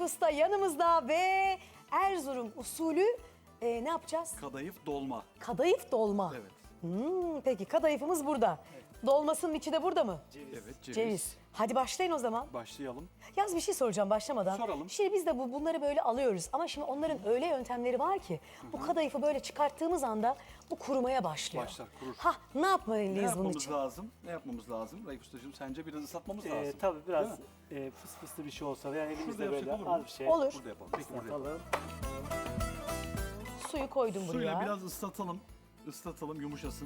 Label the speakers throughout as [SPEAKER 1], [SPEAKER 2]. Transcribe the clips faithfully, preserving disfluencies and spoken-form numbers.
[SPEAKER 1] Usta yanımızda ve Erzurum usulü e, ne yapacağız?
[SPEAKER 2] Kadayıf dolma.
[SPEAKER 1] Kadayıf dolma.
[SPEAKER 2] Evet.
[SPEAKER 1] Hmm, peki kadayıfımız burada. Dolmasının içi de burada mı?
[SPEAKER 2] Evet, ceviz.
[SPEAKER 1] Ceviz. Hadi başlayın o zaman.
[SPEAKER 2] Başlayalım.
[SPEAKER 1] Yalnız bir şey soracağım başlamadan.
[SPEAKER 2] Soralım.
[SPEAKER 1] Şimdi biz de bu bunları böyle alıyoruz ama şimdi onların öyle yöntemleri var ki bu kadayıfı böyle çıkarttığımız anda bu kurumaya başlıyor.
[SPEAKER 2] Başlar, kurur.
[SPEAKER 1] Ha ne yapmalıyız
[SPEAKER 2] Ne
[SPEAKER 1] bunun
[SPEAKER 2] yapmamız
[SPEAKER 1] için?
[SPEAKER 2] lazım? Ne yapmamız lazım? Raif Ustacığım sence biraz ıslatmamız
[SPEAKER 3] Ee,
[SPEAKER 2] lazım.
[SPEAKER 3] tabii biraz
[SPEAKER 2] Değil mi?
[SPEAKER 3] e, fıs fıslı bir şey olsa veya
[SPEAKER 2] Şurada
[SPEAKER 3] elimizde
[SPEAKER 2] yapsak
[SPEAKER 3] böyle
[SPEAKER 2] olur mu?
[SPEAKER 3] az bir şey.
[SPEAKER 1] Olur.
[SPEAKER 2] Burada yapalım. Peki burada yapalım.
[SPEAKER 3] Atalım.
[SPEAKER 1] Suyu koydum buraya.
[SPEAKER 2] Suyla biraz ıslatalım. Islatalım, yumuşasın.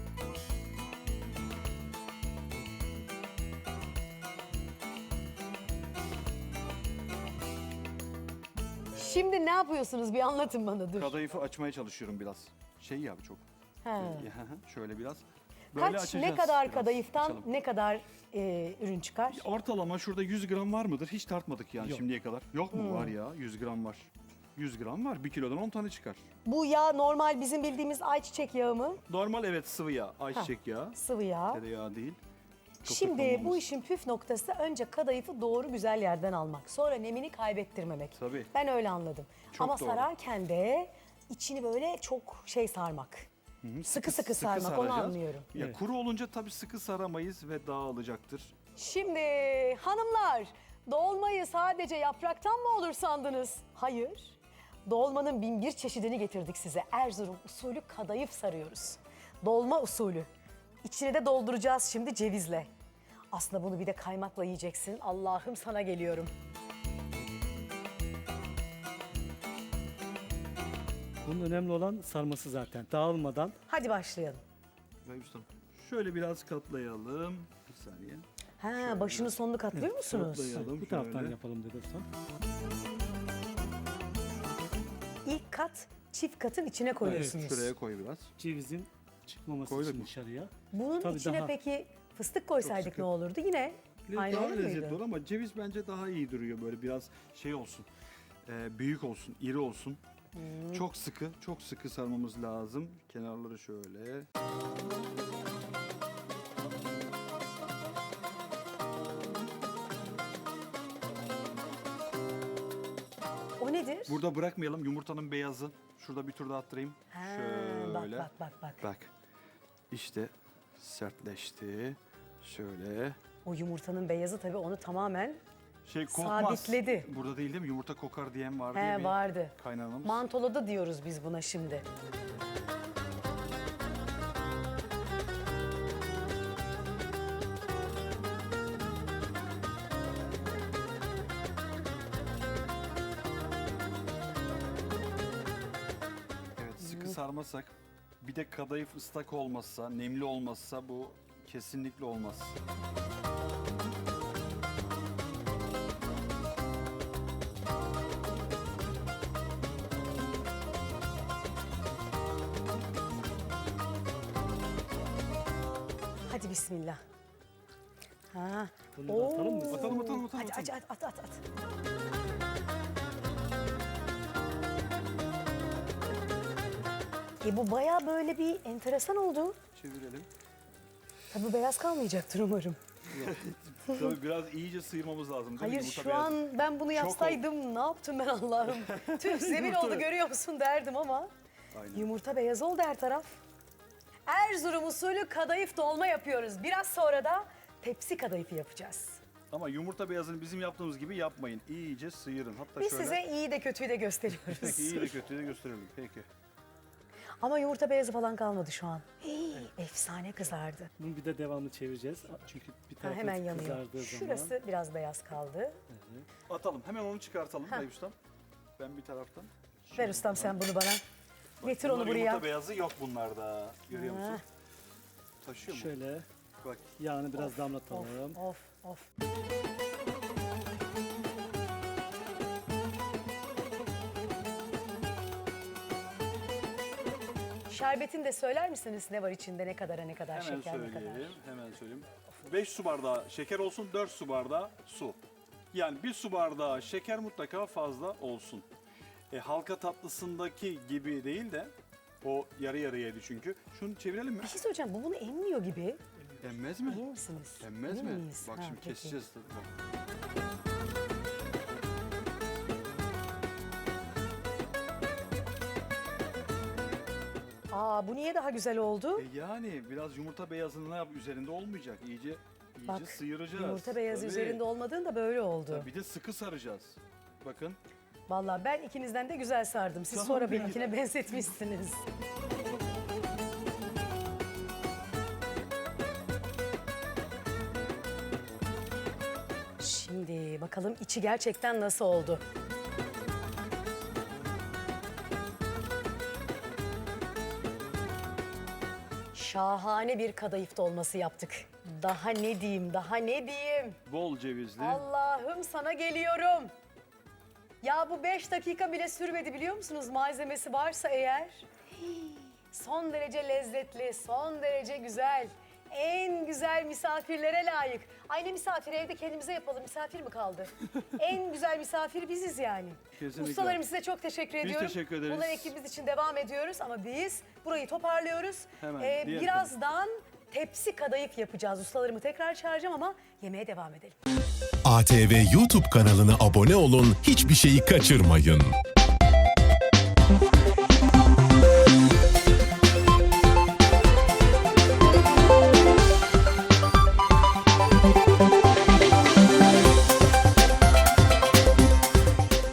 [SPEAKER 1] Şimdi ne yapıyorsunuz bir anlatın bana dur.
[SPEAKER 2] Kadayıfı açmaya çalışıyorum biraz. Şey ya çok.
[SPEAKER 1] He.
[SPEAKER 2] Şöyle biraz. Böyle
[SPEAKER 1] Kaç
[SPEAKER 2] açacağız
[SPEAKER 1] ne kadar
[SPEAKER 2] biraz.
[SPEAKER 1] kadayıftan
[SPEAKER 2] Açalım.
[SPEAKER 1] ne kadar e, ürün çıkar?
[SPEAKER 2] Ortalama şurada yüz gram var mıdır? Hiç tartmadık yani
[SPEAKER 3] Yok.
[SPEAKER 2] şimdiye kadar. Yok
[SPEAKER 1] Hmm.
[SPEAKER 2] mu? Var ya, yüz gram var. yüz gram var. bir kilodan on tane çıkar.
[SPEAKER 1] Bu yağ normal bizim bildiğimiz ayçiçek yağı mı?
[SPEAKER 2] Normal evet sıvı yağ, ayçiçek yağı.
[SPEAKER 1] Sıvı yağ.
[SPEAKER 2] Tereyağı değil.
[SPEAKER 1] Şimdi
[SPEAKER 2] Köpük
[SPEAKER 1] bu
[SPEAKER 2] olmamız.
[SPEAKER 1] işin püf noktası önce kadayıfı doğru güzel yerden almak. Sonra nemini kaybettirmemek.
[SPEAKER 2] Tabii.
[SPEAKER 1] Ben öyle anladım.
[SPEAKER 2] Çok
[SPEAKER 1] Ama
[SPEAKER 2] doğru.
[SPEAKER 1] sararken de içini böyle çok şey sarmak. Sıkı sıkı sarmak onu
[SPEAKER 2] saracağız.
[SPEAKER 1] anlıyorum.
[SPEAKER 2] Ya
[SPEAKER 3] Evet.
[SPEAKER 2] kuru olunca tabii sıkı saramayız ve dağılacaktır.
[SPEAKER 1] Şimdi hanımlar dolmayı sadece yapraktan mı olur sandınız? Hayır. Dolmanın bin bir çeşidini getirdik size. Erzurum usulü kadayıf sarıyoruz. Dolma usulü. İçine de dolduracağız şimdi cevizle. Aslında bunu bir de kaymakla yiyeceksin. Allah'ım sana geliyorum.
[SPEAKER 3] Bunun önemli olan sarması zaten. Dağılmadan.
[SPEAKER 1] Hadi başlayalım.
[SPEAKER 2] Raif Ustam, şöyle biraz katlayalım. Bir saniye.
[SPEAKER 1] Ha, başını sonunu katlıyor musunuz?
[SPEAKER 2] katlayalım.
[SPEAKER 3] Bu taraftan
[SPEAKER 2] şöyle.
[SPEAKER 3] yapalım dedi ustam.
[SPEAKER 1] İlk kat çift katın içine koyuyorsunuz.
[SPEAKER 2] Şuraya koy biraz.
[SPEAKER 3] Cevizin çıkmaması
[SPEAKER 2] Koyduk
[SPEAKER 3] için
[SPEAKER 2] mu?
[SPEAKER 3] dışarıya.
[SPEAKER 1] Bunun
[SPEAKER 3] Tabii
[SPEAKER 1] içine
[SPEAKER 3] daha-
[SPEAKER 1] peki fıstık koysaydık
[SPEAKER 2] sıkı.
[SPEAKER 1] ne olurdu? Yine aynı
[SPEAKER 2] daha
[SPEAKER 1] olur
[SPEAKER 2] lezzetli
[SPEAKER 1] muydu?
[SPEAKER 2] olur ama ceviz bence daha iyi duruyor. Böyle biraz şey olsun. e, büyük olsun, iri olsun.
[SPEAKER 1] Hmm.
[SPEAKER 2] Çok sıkı, çok sıkı sarmamız lazım. Kenarları şöyle.
[SPEAKER 1] O nedir?
[SPEAKER 2] Burada bırakmayalım yumurtanın beyazı. Şurada bir tur daha attırayım.
[SPEAKER 1] Ha,
[SPEAKER 2] Şöyle.
[SPEAKER 1] bak bak bak bak.
[SPEAKER 2] Bak. İşte sertleşti. Şöyle.
[SPEAKER 1] O yumurtanın beyazı tabii onu tamamen
[SPEAKER 2] Şey kokmaz.
[SPEAKER 1] Sabitledi.
[SPEAKER 2] Burada değil değil mi? Yumurta kokar diyen vardı
[SPEAKER 1] he,
[SPEAKER 2] ya bir
[SPEAKER 1] vardı.
[SPEAKER 2] kaynanamız.
[SPEAKER 1] Mantoladı diyoruz biz buna şimdi.
[SPEAKER 2] Evet sıkı sarmasak bir de kadayıf ıslak olmazsa, nemli olmazsa bu kesinlikle olmaz.
[SPEAKER 1] Hadi bismillah. Ha.
[SPEAKER 3] Bunu da atalım mı?
[SPEAKER 2] Atalım atalım atalım.
[SPEAKER 1] Hadi,
[SPEAKER 2] atalım.
[SPEAKER 1] hadi at at at. E bu baya böyle bir enteresan oldu.
[SPEAKER 2] Çevirelim.
[SPEAKER 1] Tabii beyaz kalmayacaktır umarım.
[SPEAKER 2] Tabii biraz iyice sıyırmamız lazım değil mi?
[SPEAKER 1] Hayır
[SPEAKER 2] Yumurta
[SPEAKER 1] şu
[SPEAKER 2] beyazı.
[SPEAKER 1] an ben bunu yapsaydım ne yaptım ben Allah'ım. Tüh zemin oldu görüyor musun derdim ama.
[SPEAKER 2] Aynen.
[SPEAKER 1] Yumurta beyaz oldu her taraf. Erzurum usulü kadayıf dolma yapıyoruz. Biraz sonra da tepsi kadayıfı yapacağız.
[SPEAKER 2] Ama yumurta beyazını bizim yaptığımız gibi yapmayın. İyice sıyırın. Hatta
[SPEAKER 1] Biz
[SPEAKER 2] şöyle.
[SPEAKER 1] size iyi de kötüyü de gösteriyoruz.
[SPEAKER 2] Peki iyi de kötüyü de gösterelim. Peki.
[SPEAKER 1] Ama yumurta beyazı falan kalmadı şu an. Hii, efsane kızardı.
[SPEAKER 3] Bunun bir de devamlı çevireceğiz. Çünkü bir
[SPEAKER 1] Ha,
[SPEAKER 3] tarafı
[SPEAKER 1] hemen yanıyor.
[SPEAKER 3] kızardığı
[SPEAKER 1] Şurası
[SPEAKER 3] zaman.
[SPEAKER 1] biraz beyaz kaldı.
[SPEAKER 2] Atalım. Hemen onu çıkartalım Raif Ustam. Ben bir taraftan.
[SPEAKER 1] Ver ustam sen bunu bana. Getir onu
[SPEAKER 2] Bunlar
[SPEAKER 1] buraya.
[SPEAKER 2] Yumurta beyazı yok bunlarda. Görüyor
[SPEAKER 1] Ha.
[SPEAKER 2] musun? Taşıyor mu?
[SPEAKER 3] Şöyle
[SPEAKER 2] Bak.
[SPEAKER 3] yağını biraz damlatalım.
[SPEAKER 1] Of of of. Şerbetini de söyler misiniz ne var içinde, ne kadara ne kadar
[SPEAKER 2] Hemen
[SPEAKER 1] şeker ne kadar?
[SPEAKER 2] söyleyelim. Hemen söyleyeyim. beş su bardağı şeker olsun, dört su bardağı su. Yani bir su bardağı şeker mutlaka fazla olsun. E, halka tatlısındaki gibi değil de o yarı yarıyaydı çünkü. Şunu çevirelim mi?
[SPEAKER 1] Bir şey söyleyeceğim, bu bunu emmiyor gibi.
[SPEAKER 2] Emmez mi?
[SPEAKER 1] Emin misiniz?
[SPEAKER 2] Emmez
[SPEAKER 1] Emin
[SPEAKER 2] mi?
[SPEAKER 1] miyiz?
[SPEAKER 2] Bak
[SPEAKER 1] Ha,
[SPEAKER 2] şimdi
[SPEAKER 1] peki.
[SPEAKER 2] keseceğiz. Bak.
[SPEAKER 1] Aa, bu niye daha güzel oldu?
[SPEAKER 2] E yani biraz yumurta beyazını ne yap üzerinde olmayacak. İyice iyice
[SPEAKER 1] Bak,
[SPEAKER 2] sıyıracağız.
[SPEAKER 1] yumurta beyazı
[SPEAKER 2] Tabii.
[SPEAKER 1] üzerinde olmadığında böyle oldu.
[SPEAKER 2] Tabii, bir de sıkı saracağız. Bakın.
[SPEAKER 1] Vallahi ben ikinizden de güzel sardım. Siz
[SPEAKER 2] Tamam,
[SPEAKER 1] sonra
[SPEAKER 2] peki.
[SPEAKER 1] benimkine benzetmişsiniz. Şimdi bakalım içi gerçekten nasıl oldu? Şahane bir kadayıf dolması yaptık. Daha ne diyeyim, daha ne diyeyim?
[SPEAKER 2] Bol cevizli.
[SPEAKER 1] Allah'ım sana geliyorum. Ya bu beş dakika bile sürmedi biliyor musunuz? Malzemesi varsa eğer. Hii, son derece lezzetli, son derece güzel. En güzel misafirlere layık. Ay ne misafir, evde kendimize yapalım. Misafir mi kaldı? En güzel misafir biziz yani.
[SPEAKER 2] Kesinlikle.
[SPEAKER 1] Ustalarım size çok teşekkür ediyorum.
[SPEAKER 2] teşekkür ederiz.
[SPEAKER 1] Bunlar ekibimiz için devam ediyoruz ama biz burayı toparlıyoruz.
[SPEAKER 2] Hemen,
[SPEAKER 1] Ee,
[SPEAKER 2] diğer
[SPEAKER 1] birazdan tepsi kadayıf yapacağız. Ustalarımı tekrar çağıracağım ama yemeğe devam edelim.
[SPEAKER 4] A T V YouTube kanalına abone olun, hiçbir şeyi kaçırmayın.